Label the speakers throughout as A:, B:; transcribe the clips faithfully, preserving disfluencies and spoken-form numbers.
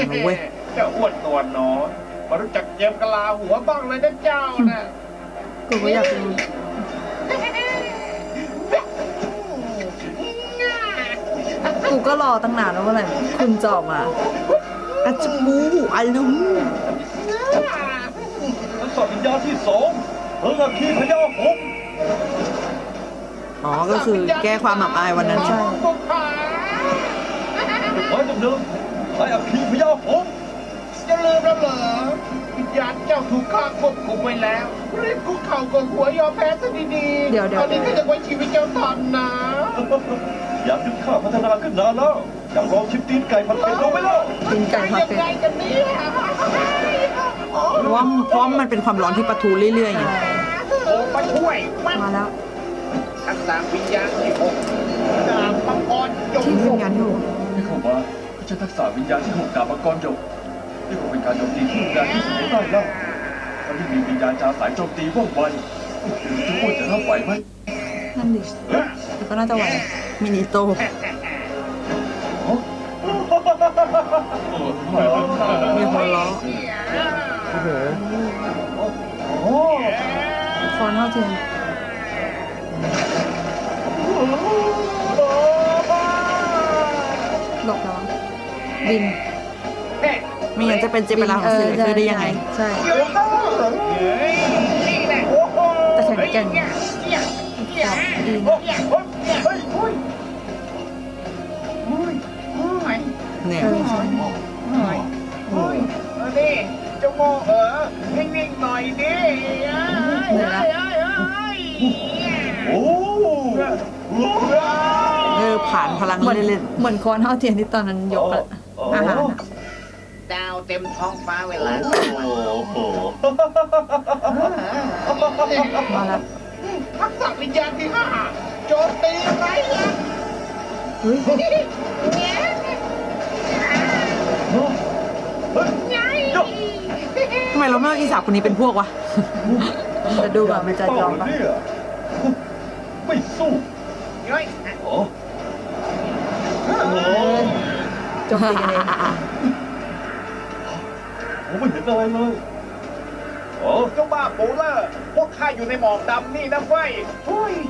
A: นะเว้ย
B: เจ้าอ้วนตัวน้อยมารู้จักเจียมกะลาหัวบ้างเลยนะเจ้าน่ะ
C: กูก็อยากรู้กูก็รอตั้งนานแล้วเมื่อไหร่คุณจะออกมาอาจมูอาลุม
B: ทดสอบวิญญาณที่สองเพิ่งกับขี้พญาหงส์
A: อ๋อก็คือแก้ความอับอายวันนั้นใช่
B: ไว้ตรงเดิมไอ้อัคคีพญาหงส์จะลืมแล้วเหรอวิญญาณเจ้าถูกข้าควบคุมไว้แล้วรีบคุกเข่ากดหัวยอมแพ้ซะดีๆ
C: เดี๋ยวเดี๋ยว
B: ตอนนี้ก็จะไว้ชีวิตเจ้าทันนะ อยากดึงข้าพัฒนาขึ้นนานแล้วอยากลองชิมตีนไก่ผัดเผ็ดดูไหมล่ะ
C: กินไก่ผัดเผ็ด
B: ยังไงกันเนี่ย
A: เพราะว่าเพราะมันเป็นความร้อนที่ปะทุเรื่อยๆไง
B: โอ้มาช่วยมัน
C: มาแล้ว
B: ทักษะวิญญาณที่หกดาบมังกรยก
C: ที่ทำงานอยู่
B: นี่เข้ามาก็จะทักษะวิญญาณที่หกดาบมังกรยกนี่คงเป็นการโจมตีที่รุนแรงที่สุดในใต้ล่าตอนที่มีวิญญาณจาสายโจมตีว่องไวจะอ้วนจะรับไหวไหม
C: นั่นดิแต่ก็น่าจะไหว
A: มินิโต มีคนร้องโอ้โห
B: โอ้
C: ฟอนเท่าเทียมหลบแล้วบิน
A: ไม่งั้นจะเป็นเจเปลาของสื่อคือได้ยังไง
C: ใช่แต่แข็งแกร่งดีนะ
A: เนี่ย
C: เออใช่
B: นี่เจ้าโมเออนิ่งๆหน่อยดิ
C: เหนื่อยละ
B: โอ้
A: เออผ่านพลัง
C: เหมือน
A: เล่น
C: เหมือนคอนเท่าเทียมที่ตอนนั้นยกอะอาหารอะ
D: ดาวเต็มท้องฟ้าเวลา
B: โห
C: มาแล้ว
B: ทักษะวิญญาณที่ห้าโจมตีไรล่ะ
C: เฮ้ย
A: ๆทำไมเราไม่เอาอีสาวคนนี้เป็นพวกวะ
C: จะดูก่อนมันจะยอมปะ
B: ไม่สู้
D: ย้อย
B: โอ้โห
C: โจมตีกันเอง
B: ผมไม่เห็นอะไรเลยโอ้เจ้าบ้าปูล่ะพวกข้าอยู่ในหมอกดำนี่นะเฟ้ยเฮ้ย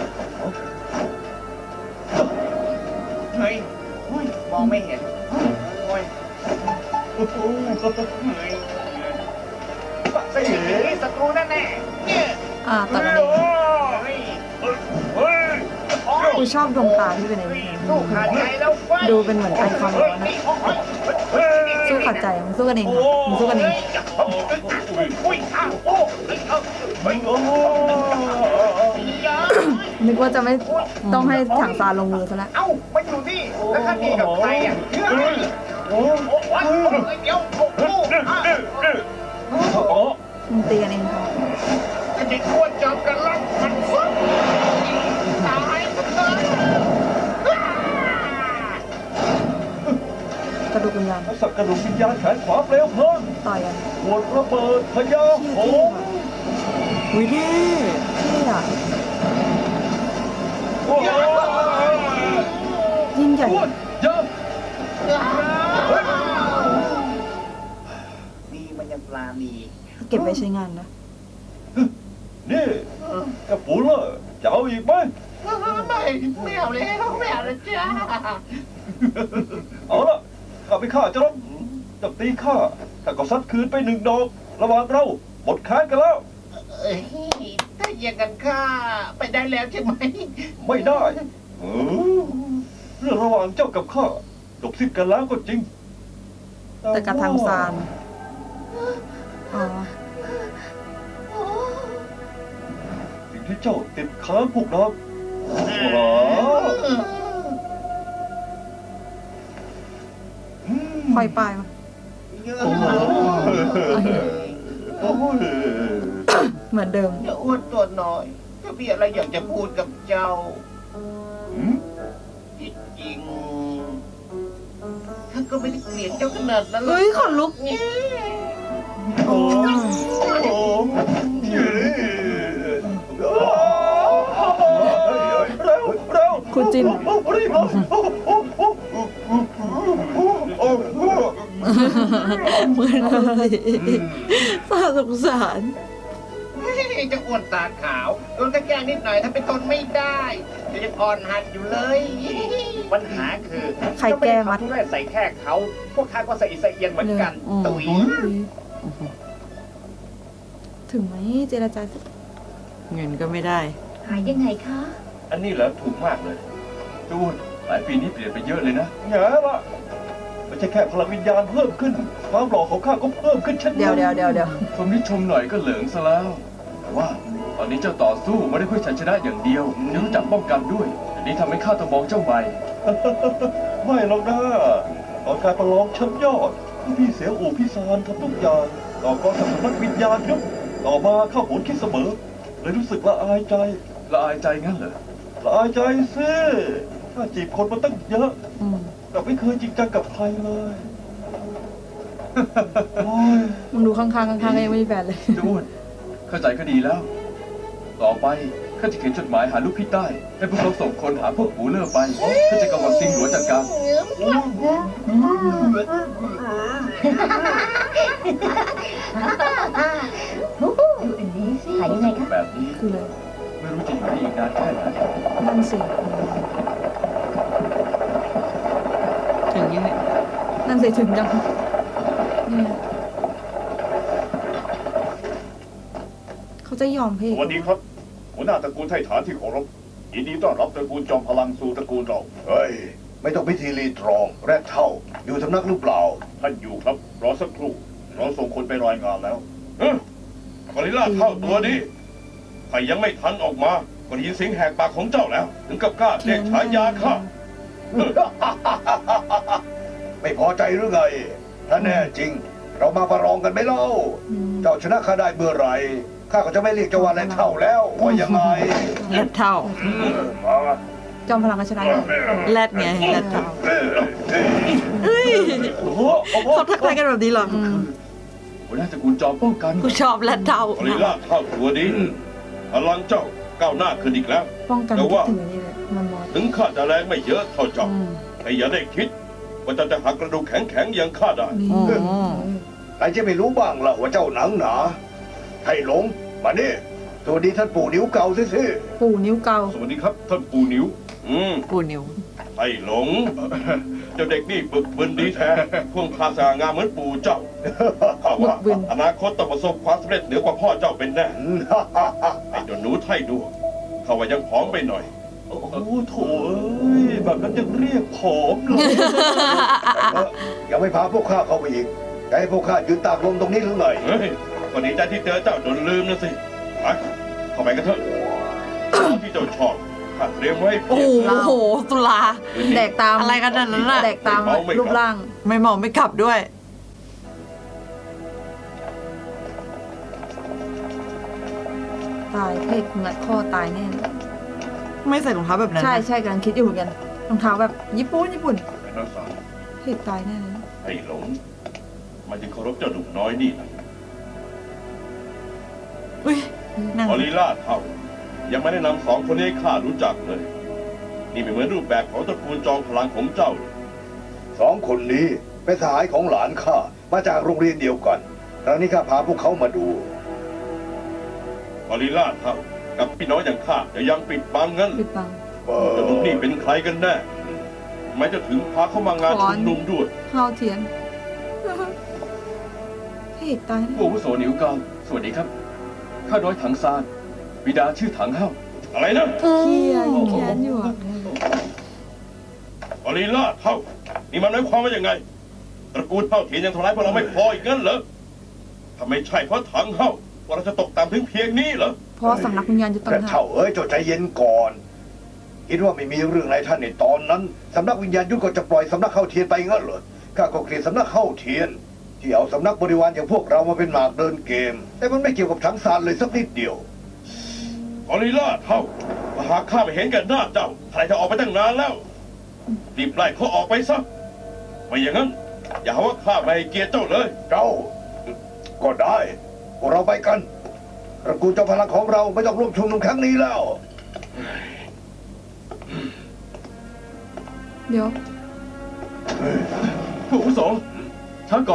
B: เฮ้ยเฮ้ย
D: มองไม่เห็น
B: โอ้ยโอ้โห
D: เฮ้ย
B: ไอ้เหี้ย
D: นี่ศัตรูแน่แน่เนี่ย
C: อ่าตัดกันเอง
D: เฮ้ย
B: เฮ้ย
C: กูชอบดวงตาที่เป็นอย่างนี้
D: สู้ขาดใจแล้วเฟ้ย
C: ดูเป็นเหมือนไอความร้อนนะสู้ขัดใจมึงสู้กันเองค่ะมึงสู้กันเอง
B: อุ้ยอ้าวโอ้เฮ้ยโอ้
C: นึกว่าจะไม่ต้องให้ถังซานลงมือซะแล้ว
D: เอ้ามาอยู่นี่แล้วข้าดีกับใครอ่ะเฮ้ย
B: โอ้
D: โอ้วันเดี๋ยวโอ้โหอ่ะ
B: โอ้
C: มึงตีกันเองค่ะ
B: ไอ้เด็กอ้วนจับกันลักมันฟัดตายซะเถอะ
C: กระดูกวิญญาณ
B: ทักษะกระดูกวิญญาณแขนขวาเปลวเพลิง
C: ต่อยกัน
B: หัวระเบิดพญาหงส์
A: วิเท่
C: ที่อ่ะ
B: โอ้โห
C: ยิ่งใหญ่
B: อ้วนเยอะ
D: นี่มันยังปลามี
C: เก็บไว้ใช้งานนะ
B: นี่กระปุนเลยจะเอาอีกไหม
D: ไม่ไม่เอาแล้วไม่เอาแล้วจ้า
B: เอาละข้าไปฆ่าเจ้าจับตีข้าถ้าก็ซัดคืนไปหนึ่งดอก ระหว่างเราหมดค้านกันแล้ว
D: เอ้ยถ้าอย่างกันข้าไปได้แล้วใช่ไหม
B: ไม่ได้เออเรื่องระหว่างเจ้ากับข้าจบสิ้นกันแล้วก็จริง
C: แต่กับทางซานอ๋อ
B: สิ่งที่เจ้าติดค้างพวกเราหรออืม
C: ค่อยปลายมา
B: โอ้โหโอ้ย
C: เหมือนเดิม
D: เดี๋ยวอ้วนตัวน้อยถ้ามีอะไรอยากจะพูดกับเจ้า
B: อืม
D: จริงๆท่านก็ไม่ได้เกลียดเจ้าขนาดนั้นหรอก
C: เฮ้ยขนลุก
D: เนี่ย
B: โอ้โหเย้เร็วเร็ว
C: คุณจิน
B: รีบ
C: เหมือนกันสิน่าสงสาร
D: จะอ้วนตาขาวโดนกระแกงนิดหน่อยถ้าเป็นทนไม่ได้จะยังอ่อนหัดอยู่เลย ปัญหาคือ
C: ใครแก้มัด
D: เจ้าไม่ได้ทำธุระใส่แค่เขา พวกข้าก็ใส่ใส่เอียงเหมือนกัน
C: อืม
D: ตุ๋ย
C: ถึงไหมเจรจาสิ
A: เงินก็ไม่ได้
E: หายยังไงคะ
B: อันนี้เหรอถูกมากเลยจูนหลายปีนี้เปลี่ยนไปเยอะเลยนะแง่ละไม่ใช่แค่พลังวิญญาณเพิ่มขึ้นความหล่อของข้าก็เพิ่มขึ้นเช่น
C: เดี๋ยวเดี๋ยวเดี๋ยวเดี๋ยว
B: ชมนิดชมหน่อยก็เหลิงซะแล้วแต่ว่าตอนนี้เจ้าต่อสู้ไม่ได้เพื่อชัยชนะอย่างเดียวยังรู้จักป้องกันด้วยอันนี้ทำให้ข้าต้องมองเจ้าใหม่ ไม่หรอกนะตอนการประลองชั้นยอดพี่เสียอู่พี่ซานทำทุกอย่างต่อก็สำนักวิญญาณครับต่อมาข้าผลคิดเสมอเลยรู้สึกละอายใจละอายใจงั้นเหรอละอายใจสิข้าจีบคนมาตั้งเยอะ
C: อืม
B: แต่ไม่เคยจริงจังกับใครเลยโอ้ย
C: มึงดูข้างๆข้างๆก็ยังไม่มีแฟนเลย
B: เจ้าอ้วนเข้าใจก็ดีแล้ว ต่อไปข้าจะเขียนจดหมายหาลูกพี่ใต้ ให้พวกเขาส่งคนหาพวกหูเล่อไปข้าจะกำวังซิงหลัวจัดการ
E: ดูอันนี้สิหายยังไงคะ
B: แบบนี้
C: คืออะไร
B: ไม่รู้จะอยู่ได้อีกนานแค่ไหน
C: นั่นสิ
A: ถึงยังไง
C: นั่นสิถึงยังเนี่ยเขาจะยอมพี่
F: สวัสดีครับ หัวหน้าตระกูลไทฐานที่เคารพยินดีต้อนรับตระกูลจอมพลังสู่ตระกูลเรา
G: เฮ้ย ไม่ต้องพิธีรีตรองแรกเท่า อยู่สำนักหรือเปล่า
F: ท่านอยู่ครับ รอสักครู่เราส่งคนไปรายงานแล้วเอ้อกอริลลาเข้าตัวนี้ถ้ายังไม่ทันออกมาก็ได้ยินเสียงแหกปากของเจ้าแล้ว ถึงกับกล้าเรียกฉายาข้า
G: ไม่พอใจหรือไง ถ้าแน่จริง เรามาประลองกันไหมเล่า
C: อืม
G: เจ้าชนะข้าได้เมื่อไหร่ข้าก็จะไม่เรียกเจ้าว่าแรกเท่าแล้วว่ายังไง
A: แรดเท่า
G: มา
C: จอมพลังก็ชนะอยู่
A: แรดไงแรดเท่า
G: เอ้ยเอ้ย
A: เฮ้ย
B: โอ้โหโอ้โห
A: เขาทักทายกันแบบนี้เหรอ
C: อืม
B: หัวหน้าตระกูลจอมป้องกัน
A: กูชอบแรดเท่าก
F: อริลลาเข้าตัวนี้พลังเจ้าก้าวหน้าขึ้นอีกแล้ว
C: ป้องกัน
F: แต่
C: คิด
F: ว่า
C: ถึงอันนี้เลยมันมอส
F: ถึงข้าจะแรงไม่เยอะเท่าเจ้า
C: อืม
F: แต่อย่าได้คิดว่าเจะจะหักกระดูกแข็งๆอย่างข้าได้
C: นี่
A: อ๋อ
G: ใครจะไม่รู้บ้างล่ะว่าเจ้าหนังหนาให้หลงมานี่ตัวนี้ท่านปู่นิ้วเก่าซิสิ
C: ปู่นิ้วเกา
F: สวัสดีครับท่านปูนิ้ว อืม
A: กูนิ้ว
F: ไอ้หลง เจ้าเด็กนี่บึกบึนดีแท้พ่วงคลาสง่างามเหมือนปู่เจ้าข้าว่าอนาคตต้องประสบความสำเร็จเหนือกว่าพ่อเจ้าเป็นแน่ ไอ้เจ้าหนูไทยด้วยเขาว่ายังผอมไปหน่อย
B: โอ้โหโถเอ้ยแบบนั้นยังเรียกผอมเลย
G: เอ้อยังไม่พาพวกข้าเข้าไปอีกจะให้พวกข้ายืนตากลมตรงนี้หรือไง
F: เฮ้ยก็ดีใจที่เจอเจ้าจนลืมนะสิไปเข้าไปกันเถอะของที่เจ้าชอบข้าเตรียมไว้ให้
A: โอ้
F: เพียบ
A: โหตุลา
C: แดกตาม
A: อะไรกันนั่นน่ะ
C: แดกตามรูปร่าง
A: ไม่เมาไม่กลับด้วย
C: ตายเพศงัดข้อตายแน่เลย
A: ไม่ใส่รองเท้าแบบนั้น
C: ใช่ใช่กำลังคิดอยู่เหมือนกันรองเท้าแบบญี่ปุ่นญี่ปุ่น
F: ไอ้น้องสาว
C: เพศตายแน่เลย
F: ไอ้หลงมาจึงเคารพเจ้าหนุ่มน้อยนี่นะ
A: อุ้ยนั่ง
F: ออลิล่าเท่า ยังไม่ได้นำสองคนนี้ให้ข้ารู้จักเลย นี่ไม่เหมือนรูปแบบของตระกูลจอมพลังของเจ้าเลย
G: สองคนนี้เป็นสหายของหลานข้ามาจากโรงเรียนเดียวกันครั้งนี้ข้าพาพวกเขามาดู
F: ออลิล่าเท่า กับพี่น้อยอย่างข้าจะยังปิดบังงั้น
C: ปิดบัง
G: เอ
F: เจ้าหนุ่ม
G: อ
F: นี่เป็นใครกันแน่ทำไมจะถึงพาเข้ามางานชุมนุมด้วย
C: ข้าวเทียน เพศตายแน่
B: ผู้อาวุโสหนิวกางสวัสดีครับ ข้าน้อยถังซานบิดาชื่อถังเฮ้า
F: อะไรนะ
C: เขี้ยยังแค้นอยู่อ่ะ
F: ออลิล่าเท่า นี่มันหมายความว่ายังไง ตระกูลเท่าเทียนยังทำร้ายพวกเราไม่พออีกงั้นเหรอถ้าไม่ใช่เพราะถังเฮ้าว่าเราจะตกต่ำถึงเพียงนี้เหรอ
C: เพราะสำนักวิญญาณจะต้อง
G: แต่
C: หา
G: เท่าเอ้ยเจ้าใจเย็นก่อน คิดว่าไม่มีเรื่องอะไรท่านในตอนนั้นสำนักวิญญาณยุทธก็จะปล่อยสำนักเข้าเทียนไปงั้นเหรอข้าก็เกลียดสำนักเข้าเทียน ที่เอาสำนักบริวารอย่างพวกเรามาเป็นหมากเดินเกม แต่มันไม่เกี่ยวกับทั้งซานเลยสักนิดเดียว
F: ออลิล่าเท่าถ้าหากข้าไม่เห็นแกันหน้าเจ้าใครจะออกไปตั้งนานแล้ว รีบไล่เขาออกไปซะ ไม่อย่างนั้น อย่าหาว่าข้าไม่ให้เกียรติเจ้าเลย
G: เจ้า ก็ได้พวกเราไปกันตระกูลเจ้าพลังของเราไม่ต้องร่วมชุมนุมครั้งนี้แล้ว
C: เดี๋ยว
B: ผู้อาวุโสช้าก่อน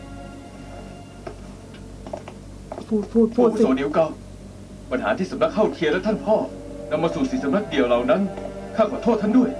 C: พูดพูด
B: ผู้
C: พูด
B: อาวุ
C: สิ
B: โสเหนียวเกาปัญหาที่สำนักเข้าเทียนและท่านพ่อนำมาสู่สีสำนักเดียวเหล่านั้นข้าขอโทษท่านด้วย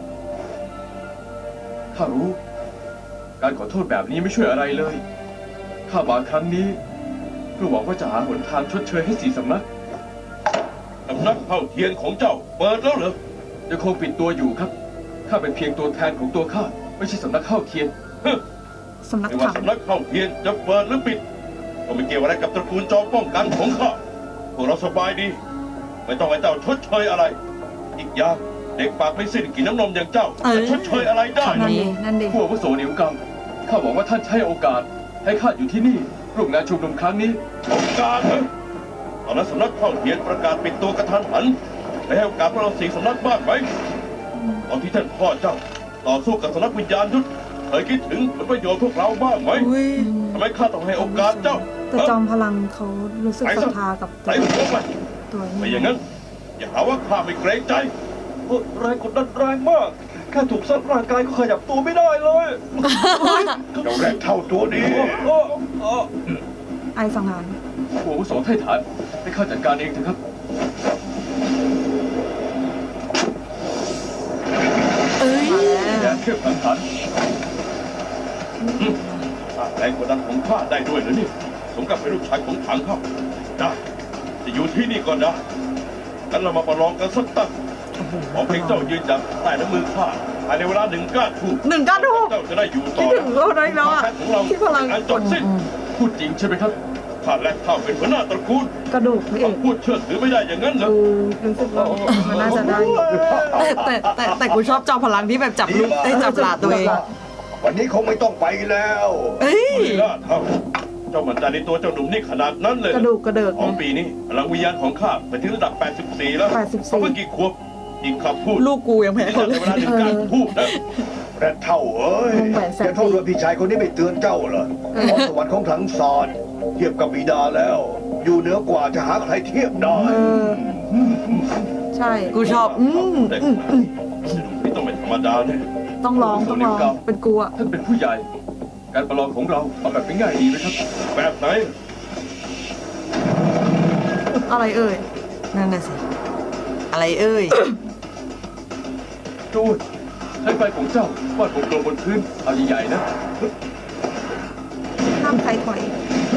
B: ข้ารู้ การขอโทษแบบนี้ไม่ช่วยอะไรเลยข้ามาครั้งนี้เพื่อหวังว่าจะหาหนทางชดเชยให้สีสำนัก
F: สำนักเข้าเทียนของเจ้าเปิดแล้วเหรอ
B: ยังคงปิดตัวอยู่ครับข้าเป็นเพียงตัวแทนของตัวข้าไม่ใช่สำนักเข้าเทียน
F: ฮึ
C: สำนัก
F: ไม่ว่า
C: ถัง
F: สำนักเข้าเทียนจะเปิดหรือปิด ก็ไม่เกี่ยวอะไรกับตระกูลจอมป้องกันของข้าพวกเราสบายดี ไม่ต้องให้เจ้าชดเชยอะไร อีกอย่างเด็กปากไม่สิ้นกินน้ำนมอย่างเจ้าจะชดเชยอะไรได้
C: นั่นดินั่นดิ
B: ผู้อาวุโสเหนียวเกาข้าหวังว่าท่านจะให้โอกาส ให้ข้าอยู่ที่นี่ร่วมงานชุมนุมครั้งนี้
F: โอกาสเหรอตอนนั้นสำนักเข้าเทียนประกาศปิดตัวกระทันหันไม่ให้โอกาสพวกเราสี่สำนักบ้างไหมตอนที่ท่านพ่อเจ้า ต่อสู้กับสำนักวิญญาณยุทธเคยคิดถึงผลประโยชน์พวกเราบ้างไหม
A: อุ้ย
F: ทำไมข้าต้องให้โอกาสเจ้า
C: แต่จอมพลังเขารู้สึกศรัทธากับตั
F: ใส่
C: ว
F: หัวไป
C: ตัว
F: ไม่
C: นี้
F: อย่างนั้น อย่าหาว่าข้าไม่เกรงใจแรงกดดันแรงมากแค่ถูกซัดร่างกายก็ขยับตัวไม่ได้เลยเจ้าแรงเท่าตัวนี้
C: ไอสังหาร
B: ผู้อาวุโสไทยฐานให้ข้าจัดการเองเถอะครับ
C: เอ้ย
B: แย่เทียบสังหาร
F: ถ้าแรงกดดันของข้าได้ด้วยเหรอนี่สมกับเป็นลูกชายของถังข้าได้จะอยู่ที่นี่ก่อนนะงั้นเรามาประลองกันสักตั้งขอเพียงเจ้ายืนยันใต้น้ำมือข้าภายในเวลาหนึ่งก้านถูก
C: หนึ่งก้านทูบ
F: เจ้าจะได้อยู่ต่
C: คิ
F: อ
C: ดถึงเราได้แล้วอ่ะ
F: ของเรา
C: ที่พลัง
F: อันจบสิ้น
B: พูดจริงใช่ไหมครับ
F: ข้าและข้าเป็นหัวหน้าตระกูล
C: กระดูกพระเอก
F: พูดเชื่อถือไม่ได้อย่างนั้นเหรอ
C: ดูรู้สึกว่ามันน่าจะได้
A: แต่แต่แต่แต่กูชอบจอมพลังที่แบบจับลูกได้จับหลาตัวเอง
G: วันนี้คงไม่ต้องไปแล้ว
A: เอ้ย
F: ไม่น่าเท่าเจ้ามั่นใจในตัวเจ้าหนุ่มนี่ขนาดนั้นเลย
C: กระดูกกระเดิก
F: ของ
C: นะ
F: ปีนี้พลังวิญญาณของข้าไปถึงระดับ แปดสิบสี่ แล้ว
C: แปดสิบสี่
F: เขาเพิ่งกี่ขวบอีกคำพูด
A: ลูกกูยังแพ้
F: ที่
A: เขา
F: ใน
A: เลย
F: เวลาหนึ่งการพูดนะ
G: แรดเท่าเอ้ยว
C: งแหวนแสน
G: จะโทษว่าพี่ชายคนนี้ไม่เตือนเจ้าเหรอพรสวรรค์ของถังซานเทียบกับบิดาแล้ว อยู่เหนือกว่าจะหาใครเทียบได้
C: เออ ใช่
A: กูชอบอืม
F: แต่
A: อืมอืม
F: นี่ต้องไม่ธรรมดาแน่
C: ต้องร้องต้องร้องเป็นกูอ่ะ
B: ท่านเป็นผู้ใหญ่ การประลองของเราเอาแบบง่ายๆดีไหมครับ
F: แบบไหน
C: อะไรเอ่ย
A: นั่นน่ะสิ อะไรเอ้ย
B: จูนใช้ไฟของเจ้าวาดวงกลมบนพื้นเอาใหญ่ๆนะ
C: ห้ามใครถอย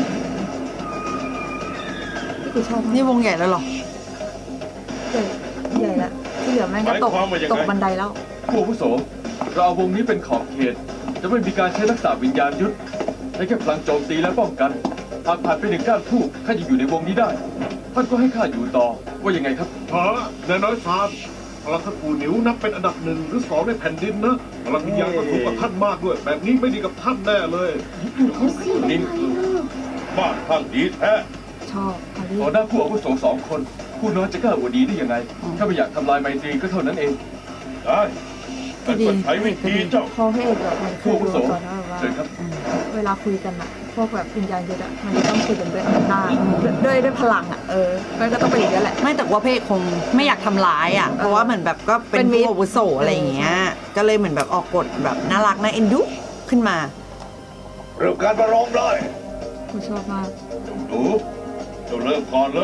C: ที่กูชอบมาก
A: นี่วงใหญ่แล้วเหรอ
C: ใหญ่ใหญ่ละที่เหลือแม่งก็ตกตกบันไดแล้ว
B: ผู้อาวุโสเราเอาวงนี้เป็นขอบเขต จะไม่มีการใช้ทักษะวิญญาณยุทธใช้แค่พลังโจมตีและป้องกันหากผ่านไปหนึ่งก้านทูบข้าจะอยู่ในวงนี้ได้ ท่านก็ให้ข้าอยู่ต่อว่ายังไงครับ
H: ฮะนายน้อยฟาร์มพลังท่านปู่หนิวนับเป็นอันดับหนึ่งหรือสองในแผ่นดินนะพลังวิญญาณก็ถูกกับท่านมากด้วย แบบนี้ไม่ดีกับท่านแน่เลย
F: นี่คือบ้านข้างดีแท้
C: ชอบเอาดิ
B: ต่อหน้าผู้อาวุโสสองคน ผู้น้อยจะกล้าอวดดีได้ยังไง ถ้าไม่อยากทำลายไมตรีก็เท่านั้นเอง
F: ได้แต่ก็ใช้วิธีเจ้า
C: พอพระเอกแบบมันเค
B: ผู้
C: ย
B: อาวุ
C: ดู
B: โส
C: ก่อนว่าแบบว่า
B: เชิญครับ
C: เวลาคุยกันอะพวกแบบวิญญาณเยอะอะมันจะต้องคุยกันด้วยอำนาจด้วยด้วยพลังอะเออมันก็ต้องเป็นอย่างนี้แหละ
A: ไม่แต่ว่าเพศคงไม่อยากทำร้ายอ่ะ เพราะว่าเหมือนแบบก็เป็น
C: เป็นมิตร
A: ผู้อาวุโสอะไรอย่างเงี้ย ก็เลยเหมือนแบบออกกฎแบบน่ารักน่าเอ็นดูขึ้นมา
G: เริ่มการประลองเลย
C: กูชอบมาก
F: เจ้าหนูเจ้าเริ่มก่อนเลย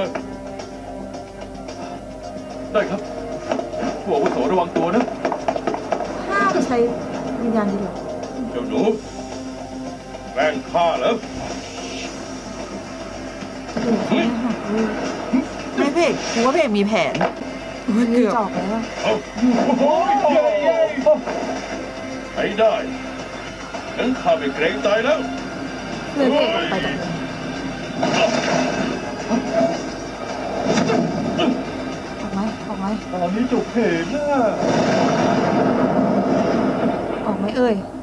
B: ได้ครับ ผู้อาวุโสระวังตัวนะ
C: ห้ามใช้วิญญาณดีหรอ
F: เจ้าหนูแกล้งข้าเหรอ
A: ไม่เพกกูว่าเพกมีแผนเฮ้ย
C: เกื
A: เกื
C: อ
A: อ
C: บบ จอกแล้วอะ
F: เอาโอ้โหเย้เย้ใช้ได้งั้นข้าไม่เกรงใจแล้ว
C: เพื่อนเอกออกไปจากวงออกไหมออกไหม
F: ตอนนี้เจ้าเพน่ะ
C: ออกไหมเอ่ย